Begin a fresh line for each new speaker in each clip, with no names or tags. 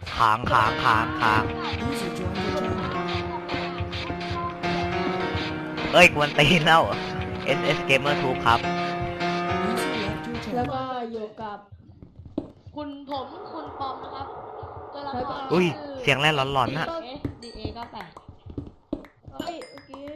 ค้างเอ้ยกวนตีนแล้ว SS Gamer Tube ครับ
แล้วก็อยู่กับ
คุณปอมนะครับตัวละคร
อุ้ยเสียงแร่หลอนๆน่ะ
DA 98
เฮ้ยเมื่อกี้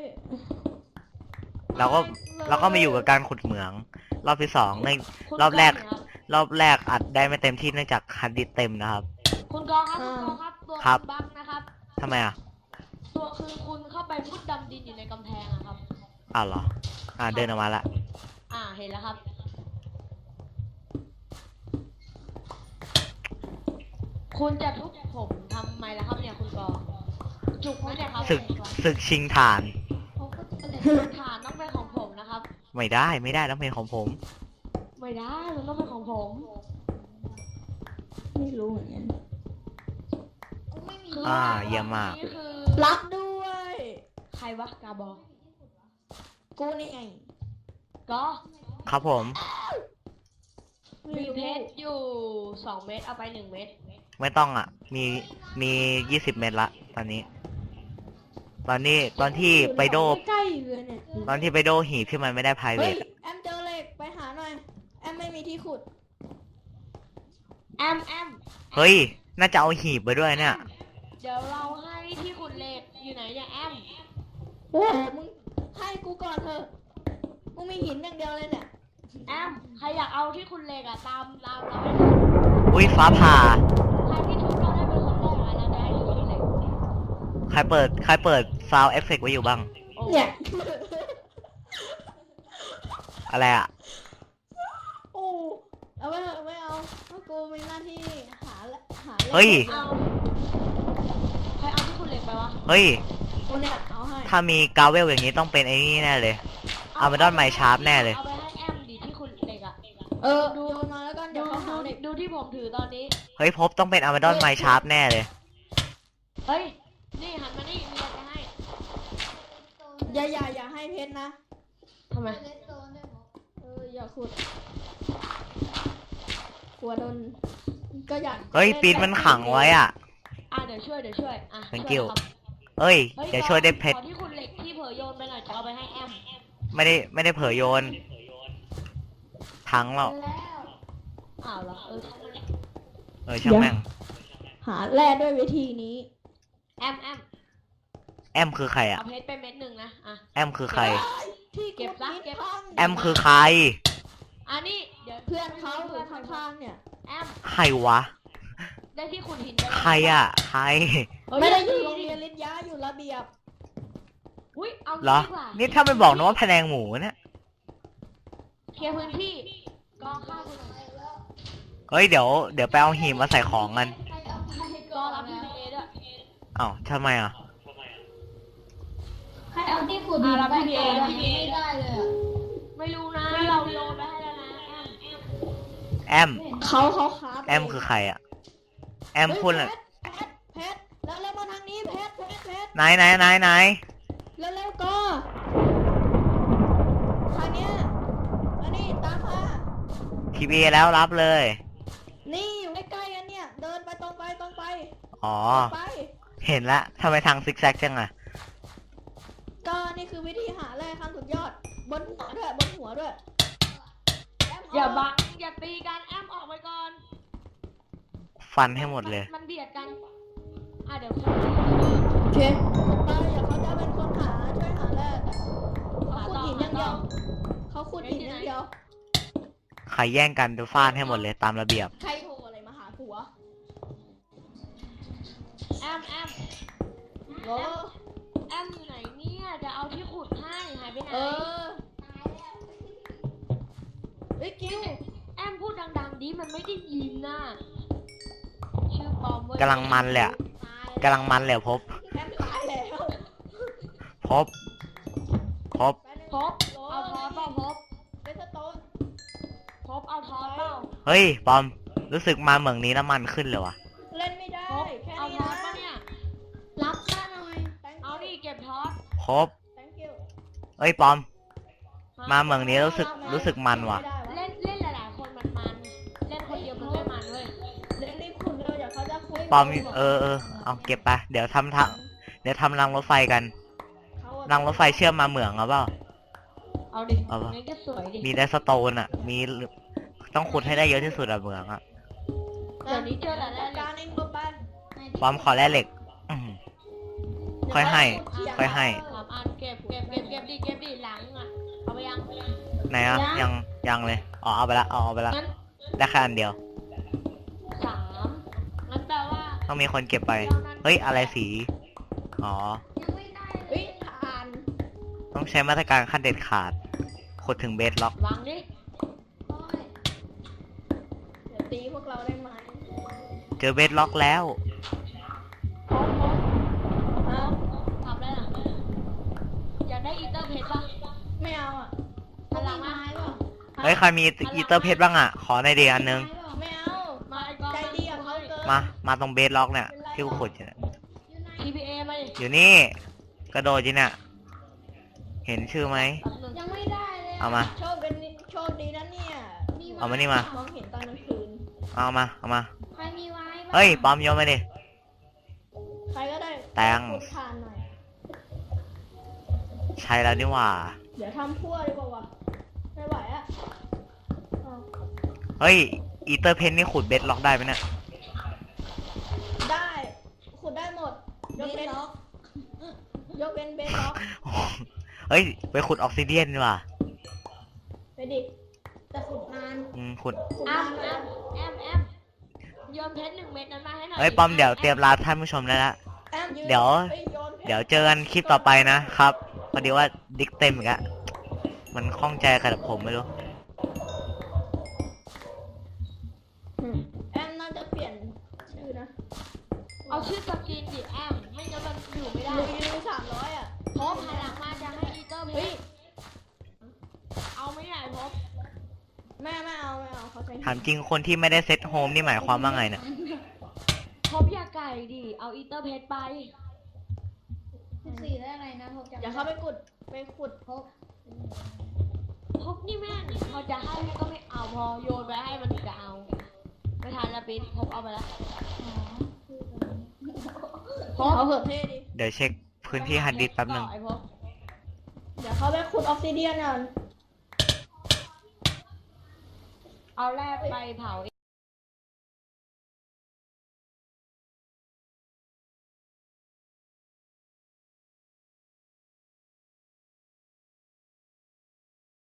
เราก็มาอยู่กับการขุดเหมือง รอบที่สองใน
คุณ
รอบแรก
งนะครับ
รอบแรกอัดได้ไม่เต็มที่เนื่องจากฮาร์ดดิสก์เต็มนะครับ
คุณกองครับตัว
ครับ
บั๊กนะครับ
ทำไมอ่ะ
ตัวคือคุณเข้าไปมุดดำดินอยู่ในกำแพงอะครับ
อ้าวเหรอเดินออกมาละ
เห็นแล้วครับ คุณจะทุบผมทำไมล่ะครับเนี่ยคุณกองจุกไหมเนี่ยครับ
ศึกชิงฐาน
ฐานต้องเป็นของผมนะครับ
ไม่ได้ต้องเป็นของผม
ไม่ได้มันต้องเป็นของผม
ไม่รู้เหมือนกัน
คือ
เยี่ยมมาก
นี่คือ
รับด้วย
ใครวะกาบอก
กูนี่ไง
ก็
ครับผม
มีเพชรอยู่2 เม็ดเอาไป1 เม็ด
ไม่ต้องอ่ะ มี20 เมตรละตอนนี้ ตอนที่ไปโด
ใกล้ๆเลยเนี่ย
ตอนที่ไปโดหีบที่มันไม่ได้ไพรเว
เฮ้ย
ท
แอมเจอเหล็กไปหาหน่อยแอมไม่มีที่ขุด
แอม
เฮ้ย น่าจะเอาหีบไปด้วยเนี่ย
เดี๋ยวเราให้ที่ขุดเหล็กอยู่ไหนเนี่ยแอม
โอ้มึงให้กูก่อนเถอะกูมีหินอย่างเดียวเลยเนี่ย
แอมใครอยากเอาที่ขุดเหล็กอะตามเรา
อุ้ยฟ้าผ่า
ใครที่ทุบเราได้เป็นคนแรกอะเราจะให้ที่ขุดเหล็ก
ใครเปิดซาวเอฟเฟกไว้อยู่บ้าง
โอ้
เนี่ย
อะไรอ่ะ
โอ้เอาไม่เอาเพราะกูมีหน้าที่หาเหล็ก
เฮ้ย
เอาใครเอาที่ขุดเหล็กไปวะ
เฮ้ย
กูเนี่ยเอาให้
ถ้ามีกาเวลอย่างนี้ต้องเป็นไอ้นี่แน่เลย อาร์มาดอนไมชาร์ปแน่เลย
เอาไปให้แอมดิที่ขุดเหล็กอะ
ดูมาแล้วกันเดี๋ยวเขาหาเหล็ก
ดูที่ผมถือตอนนี้
เฮ้ยพบต้องเป็นอาร์มาดอนไมชาร์ปแน่เลย
เฮ้ยนี่หันมานี่มีอะไรจะให้
อย่าให้เพชรนะ
ทำไม
อย่าขุดกลัวโดนก็อยาก
เฮ้ยปีนมันขังไว้อ่ะ
เดี๋ยวช่วยอ่ะ
Thank
ช่วย
you
นะครับ
เอ้ย
ฮ้
เดี๋ยวช่วยได้เพชร
ขอที่ขุดเหล็กที่เผยโยนไปหน่อยจะเอาไปให้แอม
ไม่ได้เผยโยน ทั้งแล้ว
อ้าวเหรอ
ช่างแม่ง
หาแร่ด้วยวิธีนี้
แอม
แอมคือใครอ่ะ
เอาเพชรไปเม็ดหนึ่งนะ
แอมคือใคร
ที่
เก็บซะเก็บ
แอมคือใคร
นี่เดี๋ยว
เพื่อนเขาอยู่ข้างๆเนี่ย
แอม
ใครวะ
ได้ที่ขุดหินไป
ใครอ่ะ ใคร
ไม่ได้อยู่โรงเรียนลิทยาอยู่ระเบียบ
อุ้ยเอา
เหรอ
ดีกว่า
นี่ถ้าไม่บอกนะว่าแผนงหมูเนี่ย
เคลียร์พื้นที่กองข้าวคุณหน่อย
เฮ้ยเดี๋ยวไปเอาหีบมาใส่ของกัน
กองรับพี่เอด้วย
อ้าวทำไมอ่ะ
ใครเอาที่ขุดดิน
รับ
ไป
พี่เอ
ก่อน
ด้วย
ไม่ได้เลยอะ
ไม่รู้นะเราโยนไปให้แล้วนะแอม
แอม
เขาครับ
แอมคือใครอ่ะ แอมพูดอะไร
เพชรแล้วมาทางนี้เพชร
ไหน
แล้วก็ทางเนี้ยอันนี้ตามมา
ทีวีแล้วรับเลย
นี่อยู่ใกล้ๆกันเนี่ย เดินไปตรงไป
อ๋อ
ไป
เห็นละทำไมทางซิกแซกจังอ่ะ
ก็นี่คือวิธีหาแร่ขั้นสุดยอด บนหัวด้วยแอม
อย่าบังอย่าตีกันแอมออกไปก่อน
ฟันให้หมดเลย
มันเบียดกันเดี๋ยว
โอเคไปอย่าเขาจะเป็นคนช่วยหาแร่เขาขุดหินอย่างเดียวเขาขุดหินอย่างเดียว
ใครแย่งกันจะฟาดให้หมดเลยตามระเบียบ
ใครโทรอะไรมาหาผัว
แอม
โอ้
แอมอยู่ไหนเนี่ยจะเอาที่ขุดให้หายไปไหน
เฮ้ยกิ้ว
แอมพูดดังๆดิมันไม่ได้ยินน่ะชื่อปลอมเว้ย
กำลังมันเลยอะกำลังมันเลยพบ
แอมตายแล้ว
พบ
พบเอาทอสเปล่าพบ
เบสโตน
พบเอาทอสเปล่า
เฮ้ยปอม รู้สึกมาเมืองนี้น้ำมันขึ้นเลยวะ
เล่นไม่ได้
พบ
แค่
เอา
นี้
ทอ
นะ
สปะเนี่ย
รับค่าหน่อย
เอาดิเก็บทอส
พบ
thank you
เอ้ยปอม มาเมืองนี้รู้สึกมันว่ะ
เล่นหลายๆคนมันเล่นคนเดียวมันไม่มันเว้ย
เล่นรีบขุดเร็วเดี๋ยวเขาจะคุย
ปปอมเอาเก็บไปเดี๋ยวทำรางรถไฟกัน
เขาอะ
รางรถไฟเชื่อมมาเหมืองเอาเปล่า
เอาดิ
เอาปะ
งั้นก็สวยดิ
มีได้สโตนอ่ะ มีต้องขุดให้ได้เยอะที่สุดอะเหมืองอ่ะ
เดี๋ยวนี้เจอแต่แร
จั
ก
ดการเองลงไป
ปอมขอแร่เหล็ก ค่อยให้ ค่อยให้
สามอันเก็บดิหลังอ่ะเอาไปยัง
ไหนอ่ะยังเลยอ๋อเอาไปละเอาไปละ
งั้น
ได้แค่อันเดียว
3งั้นแปลว่า
ต้องมีคนเก็บไป เฮ้ยอะไรสีอ๋อ
เฮ้ยทาน
ต้องใช้มาตรการขั้นเด็ดขาดขุดถึงเบสล็อก
วางดิ
เดี๋ยวตีพวกเราได้ไหม
เจอเบสล็อกแล้ว
เอา
ทำได้หรออยากได้อีเตอร์เพชรป่ะ
ไม่เอาอ่ะ
พลังมา
เฮ้ยใครมีอีเตอร์เพชรบ้างอ่ะ ขอในอยดีอันนึง
ไม่เอา
มาไอ้กอง
ใจดีกับเขาเกิน
มาตรงเบสล็อกเนี่ยที่กูขุดอยู่เนี่ย
TPA มาดิ
อยู่นี่ กระโดดจีเนี่ย เห็นชื่อไหม
แป๊บนึง
ยังไม่ได้เลย
เอามา
โชคดีนะเนี่ย
เอามานี่มา
มองเห็นตอนกลางคืน
เอามา
ใครมีไว้บ้าง
เฮ้ย ปอมโยนมาดิ
ใครก็ได้
แตง
ขุดทานหน่อย
ใช่แล้วนี่หว่า
เดี๋ยวทำพั่วดีกว่าวะไม่ไหวอ่ะเอา
เฮ้ย อีเตอร์เพนนี่ขุดเบสล็อกได้ไหมเนี่ย
ได้ขุดได้หมด ยกเว้นเบสล็อก
เฮ้ย ไปขุดออกซิเดียนดีกว่า
ไปดิ
แต่ขุดนาน
ขุด
ขุด
แอ
ทาม น
แอ
นะ
มโยนเพชร1 เม็ดนั้นมาให้หน่อย
เฮ้ย ปอมเดี๋ยวเตรียมลาท่านผู้ชมได้ละ
แอมยืน
เดี๋ยว
อ้โนพชร
เดี๋ยวเจอกันคลิปต่อไปนะครับ พอดีว่าดิกเต็มอีกอะมันคล่องใจกับผมไม่รู้
แอมน่าจะเปลี่ยนชื่อนะ
เอาชื่อสกินดิแอมไม่งั้นมันอยู่ไม่ได้
ลุย300อ่ะ
พบพลังมาจะให้อีเตอร์เพ
เฮ้ย
ชรเอาไม่ได้พบ
ไม่เอาเขาใช้
ถามจริงคนที่ไม่ได้เซตโฮมนี่หมายความว่าไงเนี่ย
พบอย่าไก่ดิเอาอีเตอร์เพชรไป
14ได้อะไรนะผมจำ
อย่าเข้าไปขุด
พบ
พบนี่แม่งพอจะให้ก็ไม่เอาพอโยนไปให้มันถึงจะเอาไม่ทันละปิ๊นพบเอาไปแล้ว
เอาเหอะเท่ดิ
เดี๋ยวเช็คพื้นที่ฮันดิสแป๊บหนึ่ง
ไอ้พบ
เดี๋ยวเขาไปขุดออกซิเดียนก่อน
เอาแรกไปเผา